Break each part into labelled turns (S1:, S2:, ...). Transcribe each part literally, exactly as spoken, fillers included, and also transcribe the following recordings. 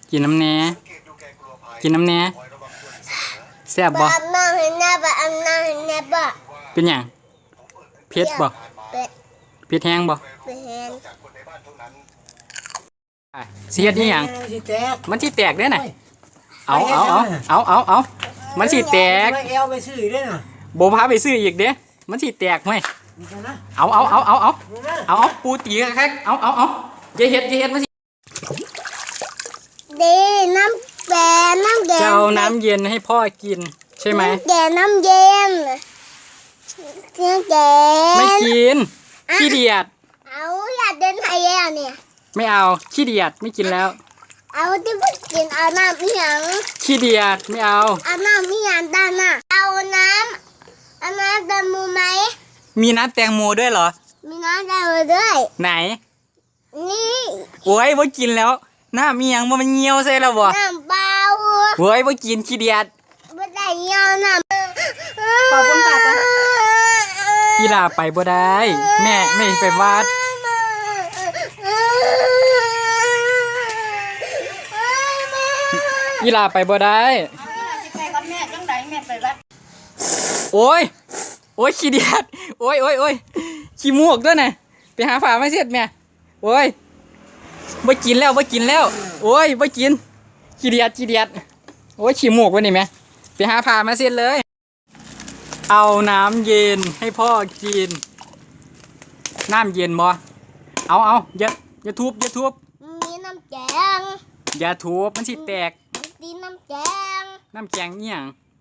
S1: กินน้ำแหน่กินน้ำแหน่แซ่บบ่
S2: อาบน้ำให้แน่บ่อาบน้ำให้แน่บ่
S1: เป็นหยังเผ็ดบ่
S2: เป็ด
S1: เผ็ดแห้งบ่
S2: เป็ดแห้ง
S1: สิเฮ็ดอีหยังมันสิแตกเด้อน่ะเอาเอาเอาเอาเอาเอามันสิแตก
S3: เอวไปซื้อได้น่ะ
S1: บ่พาไปซื้ออีกเด้มันสิแตกมั้ยเอาเอาเอาเอาเอาเอาเอาปูตีคักๆเอาเอาเอาอย่าเฮ็ดอย่าเฮ็ดมันสิ
S2: ดีน้ำแก่น้ำแก่
S1: จะเอาน้ำเย็นให้พ่อกินใช่ไหม
S2: แก่น้ำเย็นน้ำแก่
S1: ไม่กินขี้เดียด
S2: เอาอยากเดินไทยแล้วเนี่ย
S1: ไม่เอาขี้เดียดไม่กินแล้ว
S2: เอาที่พูดกินเอาน้ำอีหยัง
S1: ขี้เดียดไม่เอา
S2: เอาน้ำอีหยังด้านน่ะเอาน้ำเอาน้ำแตงโมไหม
S1: มีน้ำแตงโมด้วยเหรอ
S2: มีน้ำแตงโมด้วย
S1: ไหน
S2: นี่
S1: โอ้ยว่ากินแล้วน้ำมีหยังว่ามันเหี่ยวใส่แล้วบ่
S2: น้ำเปล่า
S1: โอ้ยว่ากินขี้เดียด
S2: ไม่ได้เหี่ยวน้ำ
S1: ขอบคุณค่ะอีหลาไปบ่ได้แม่ไม่ไปวัดอีหลาไปบ่ได้
S2: ไปกับแม่จังไดแม่ไปวัด
S1: โอ้ยโอ้ยขี้เดียดโอ้ยโอ้ยโอ้ยขี้มูกด้วยนะไปหาฝาไม่เสร็จแม่โอ้ยบ่กินแล้วบ่กินแล้วโอ้ยบ่กินขี้เดียดขี้เดียดโอ้ยขี้มูกวะนี่แม่ไปหาฝามาเสร็จเลยเอาน้ำเย็นให้พ่อกินน้ำเย็นบ่เอาเอาอย่าอย่าทุบอย่าทุบ
S2: มีน้ำแกง
S1: อย่าทุบมันสิแตก
S2: มีน้ำแกง
S1: น้ำแกงเนี่ย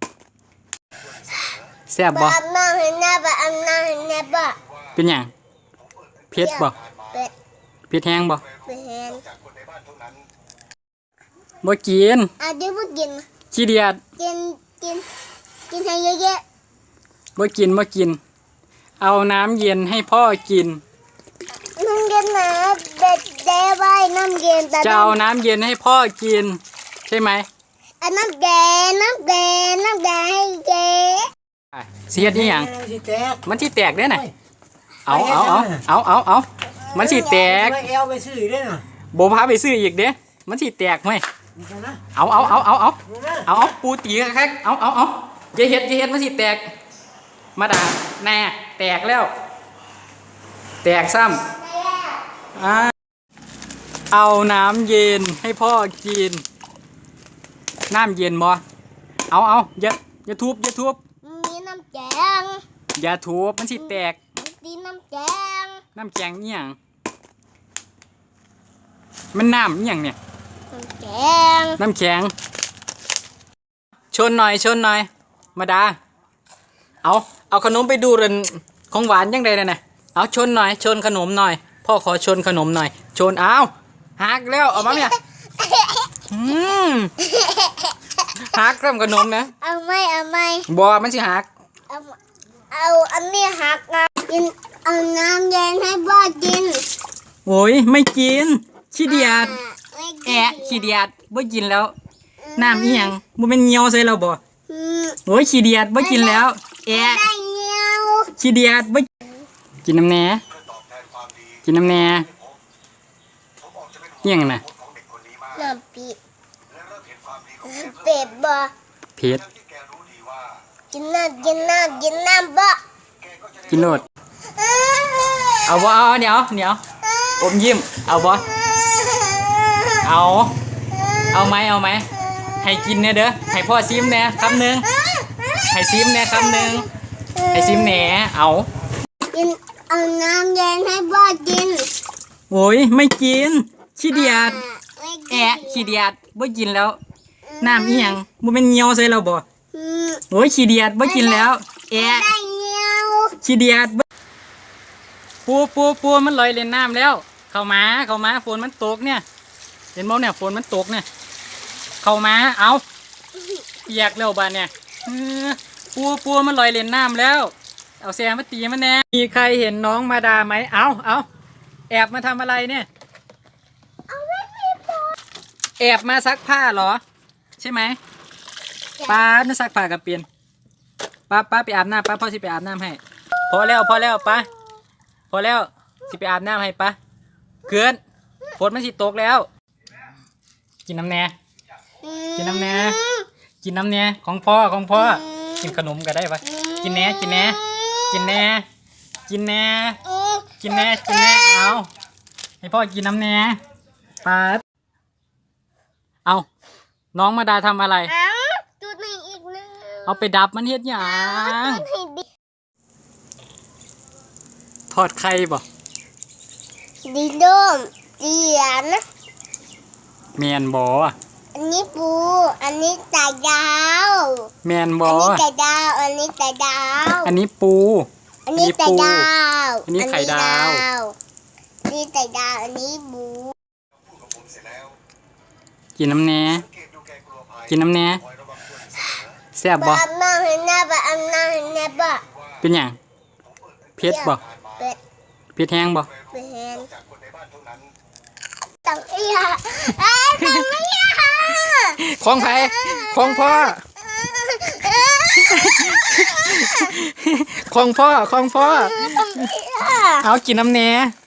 S1: แซ่บบ่
S2: อาบน้ำให้แน่บ่อาบน้ำให้แน่บ่
S1: เป็นหยังเผ็ดบ่
S2: เป็ด
S1: เผ็ดแห้งบ่
S2: เป็ดแห้ง
S1: บ่กิน
S2: อาจจะบ่กิน
S1: ขี้เดียด
S2: กินกินกินให้เยอะ
S1: ๆบ่กินบ่กินเอาน้ำเย็นให้พ่อกิน
S2: น้ำเย็นนะเด็ดเด้ไว้น้ำเย็นแต่
S1: จะเอาน้ำเย็นให้พ่อกินใช่ไหม
S2: น้ำแกงน้ำแกงน้ำแกงให้เจ๊
S1: สิเฮ็ดอีหยังมันสิแตกเด้อน่ะเอาเอาเอาเอาเอาเอามันสิแตก
S3: เอวไปซื้อได้น่ะ
S1: บ่พาไปซื้ออีกเด้มันสิแตกมั้ยเอาเอาเอาเอาเอาเอาเอาปูตีคักๆเอาเอาเอาอย่าเฮ็ดอย่าเฮ็ดมันสิแตกมาด่าแน่แตกแล้วแตกซ้ำอ่าเอาน้ำเย็นให้พ่อกินน้ำเย็นบ่เอาเอาอย่าอย่าทุบอย่าทุบ
S2: มีน้ำแกง
S1: อย่าทุบมันสิแตก
S2: มีน้ำแกง
S1: น้ำแกงนี่หยังมันน้ำนี่หยังเนี่ย
S2: น้ำแกง
S1: น้ำแข็งชนหน่อยชนหน่อยมาดาเอาเอาขนมไปดูเรนของหวานยังไงน่ะเอาชนหน่อยชนขนมหน่อยพ่อขอชนขนมหน่อยชนเอาหักแล้วเอามาเนี่ยอืมหักเริ่มขนมนะ
S2: เอาไม่เอาไม่
S1: บัวมันสิหัก
S2: เอาเอาอันนี้หักนะกินเอาน้ำเย็นให้พ่อกิน
S1: โอ้ยไม่กินขี้เดียดแอะขี้เดียดบ่กินแล้วน้ำอีหยังบ่เป็นเหี่ยวใส่เราบ่โอ้ยขี้เดียดบ่กินแล้วแอะขี้เดียดบ่กินน้ำแหน่กินน้ำแหน่เหี่ยงน่ะ
S2: น้ำปีเป็ดบ่
S1: เผ็ด
S2: กินน้ำกินน้ำกินน้ำบ่
S1: กินโลดเอาบ่เอาเดี๋ยวเดี๋ยวอมยิ้มเอาบ่เอาเอาไหมเอาไหมให้กินเนี่ยเด้อให้พ่อซิมเนี่ยคำหนึ่งให้ซิมเนี่ยคำหนึ่งให้ซิมแหน่เอา
S2: กินเอาน้ำเย็นให้พ่อกิน
S1: โอ้ยไม่กินขี้เดียดแอะขี้เดียดบ่กินแล้วน้ำอีหยังบ่เป็นเหี่ยวใส่เราบ่โอ้ยขี้เดียดบ่กินแล้วแอะขี้เดียดปูปูปูมันลอยเล่นน้ำแล้วเข้ามาเข้ามาฝนมันตกเนี่ยเห็นบ่เนี่ยฝนมันตกเนี่ยเข้ามาเอาเปียกแล้วบ้านเนี่ยปูปูมันลอยเล่นน้ำแล้วเอาแซมมาตีมันแน่มีใครเห็นน้องมาดาไหมเอาเอาแอบมาทำอะไรเนี่ยแอบมาซักผ้าเหรอใช่ไหมป้าน่าซักผ้ากับเปลี่ยนป้าป้าไปอาบน้ำป้าพ่อสิไปอาบน้ำให้พอแล้วพอแล้วป้าพอแล้วสิไปอาบน้ำให้ป้าเกินฝนมันสิตกแล้วกินน้ำแหน่กินน้ำแหน่กินน้ำแหน่ของพ่อของพ่อกินขนมก็ได้ปะกินแหน่กินแหน่กินแหน่กินแหน่กินแหน่กินแหน่เอาให้พ่อกินน้ำแหน่ปาดเอาน้องมาดาทำอะไร
S2: เอาจุดหนึ่งอีกหนึ่ง
S1: เอาไปดับมันเฮ็ดหยัง
S2: จุดให้ดี
S1: ทอดไข่บ่
S2: ดีโดมเจียน
S1: แมนบ่
S2: อันนี้ปู อันนี้ไก่ดาว
S1: แมน
S2: อั
S1: บ่
S2: นนี้ไก่ดาว อันนี้ไก่ดาว
S1: อันนี้ปู
S2: อันนี้ไก่ดาว
S1: อันนี้ไข่ดาว
S2: อันนี้ไก่ดาว อันนี้หมู
S1: กินน้ำแหน่กินน้ำแหน่แซ่บบ่
S2: บะอันนั้นเห็นหน้าบะอันนั้นเห็นหน้าบะ
S1: เป็นหยังเผ็ดบ่
S2: เป็ด
S1: เผ็ดแห้งบ่
S2: เป็ดเห็นตังเอียเอ้ยตังเอีย
S1: ของไผของพ่อของพ่อของพ่อ
S2: ตังเอีย
S1: เอากินน้ำแหน่